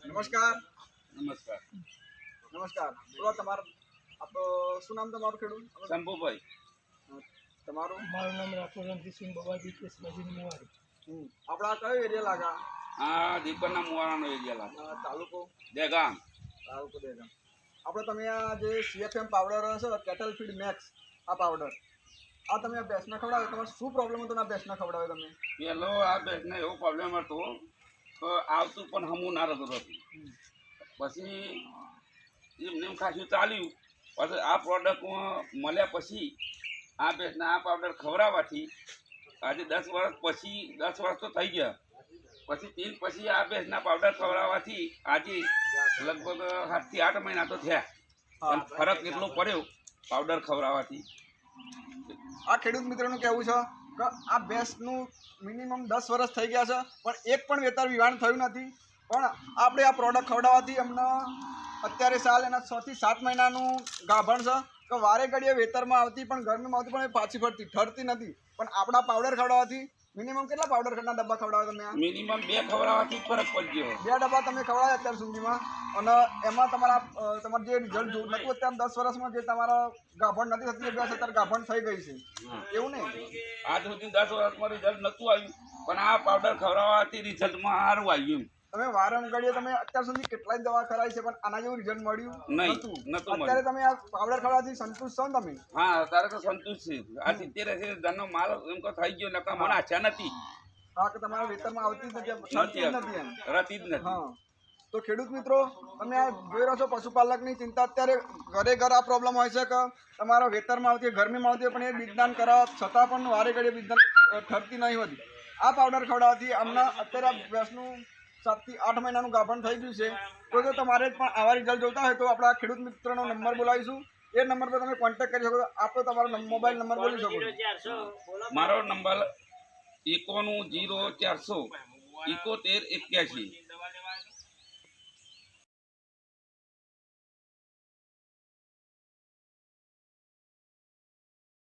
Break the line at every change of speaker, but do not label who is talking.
નમસ્કાર.
નમસ્કાર.
નમસ્કાર. બોલો તમારું શું નામ તમારું ખેડૂત?
શંભુભાઈ.
તમારું?
મારું નામ રાઠોડ રણજીતસિંહ બબાજી કેસબાજી મુવારી.
આપણા કયો એરિયા લાગા?
આ દીપકના મુવારાનો એરિયા લાગે.
તાલુકો?
દેગામ.
તાલુકો દેગામ. આપણે તમે આ જે CFM પાવડર છે કેટલ ફીડ મેક્સ, આ પાવડર આ તમે આ ભેંસને ખવડાવે, તમારે શું પ્રોબ્લેમ હતો? આ ભેંસને ખવડાવે તમે?
પેલો આ ભેંસને એવો પ્રોબ્લેમ હતો કે આવતું પણ હમું ના રહેતું હતું. પછી એમને એમ ખાસું ચાલ્યું. પછી આ પ્રોડક્ટ મળ્યા પછી આ ભેંસને આ પાવડર ખવડાવવાથી આજે 10 વર્ષ તો થઈ ગયા. પછી તેલ પછી આ ભેંસના પાવડર ખવડાવવાથી આજે લગભગ 7 થી 8 મહિના તો થયા. પણ ફરક એટલો પડ્યો પાવડર ખવડાવવાથી.
આ ખેડૂત મિત્રોનું કહેવું છે કે આ ભેંસનું મિનિમમ 10 વર્ષ થઈ ગયા છે પણ એક પણ વેતર વિવાણ થયું નથી. પણ આપણે આ પ્રોડક્ટ ખવડાવવાથી અમને અત્યારે સાલ એના 6 થી 7 મહિનાનું ગાભણ છે કે વારે ઘડીએ વેતરમાં આવતી પણ ગરમીમાં આવતી પણ એ પાછી ઠરતી નથી. પણ આપણા પાવડર ખવડાવવાથી મિનિમમ કેટલા પાવડર ખરના ડબ્બા ખવડાવો તમે?
મિનિમમ 2 ખવડાવવાથી ફરક પડી ગયો.
2 ડબ્બા તમે ખવડાવ્યા અત્યાર સુધીમાં અને એમાં તમારું જે રિઝલ્ટ જોયું નતું અત્યારે 10 વર્ષમાં જે તમારા ગાભણ નથી થતી ભેંસ અત્યારે ગાભણ થઈ ગઈ છે એવું નહીં?
આજ સુધી 10 વર્ષમાં રિઝલ્ટ નહોતું આવ્યું પણ આ પાવડર ખવડાવવાથી રિઝલ્ટમાં સારું આવ્યું.
તમે વારંઘડીએ તમે અત્યાર સુધી કેટલાય દવા કરાવી છે પણ આના જેવું રિઝલ્ટ મળ્યું
નહોતું.
અત્યારે તમે આ પાવડર ખવડાવવાથી સંતુષ્ટ છો ને તમે?
હા, અત્યારે તો સંતુષ્ટ છે. આ 70-80 માલ એમ તો થઈ ગયો નકા મને આશા નથી.
હા, કે તમારા વેતરમાં આવતી જ નથી એમ
રહેતી જ નથી.
હા, તો ખેડૂત મિત્રો તમે આ જોઈ રહ્યો છો પશુપાલકની ચિંતા અત્યારે ઘરે આ પ્રોબ્લેમ હોય છે કે તમારા વેતરમાં આવતી ગરમીમાં આવતી પણ એ બીજદાન કરાવવા છતાં પણ વારે ઘડીએ બીજદાન ઠરતી નહીં હોતી. આ પાવડર ખવડાવવાથી અમને અત્યારે ભેંસનું 7 થી 8 મહિનાનું ગાભણ થઈ ગયું છે. તો જો તમારે પણ આવા રિઝલ્ટ જોતા હોય તો આપણા ખેડૂત મિત્રનો નંબર બોલાવીશું. એ નંબર પર તમે કોન્ટેક્ટ કરી શકો છો. આપણે તમારો મોબાઈલ નંબર બોલી શકો છો.
મારો નંબર 910400 7181.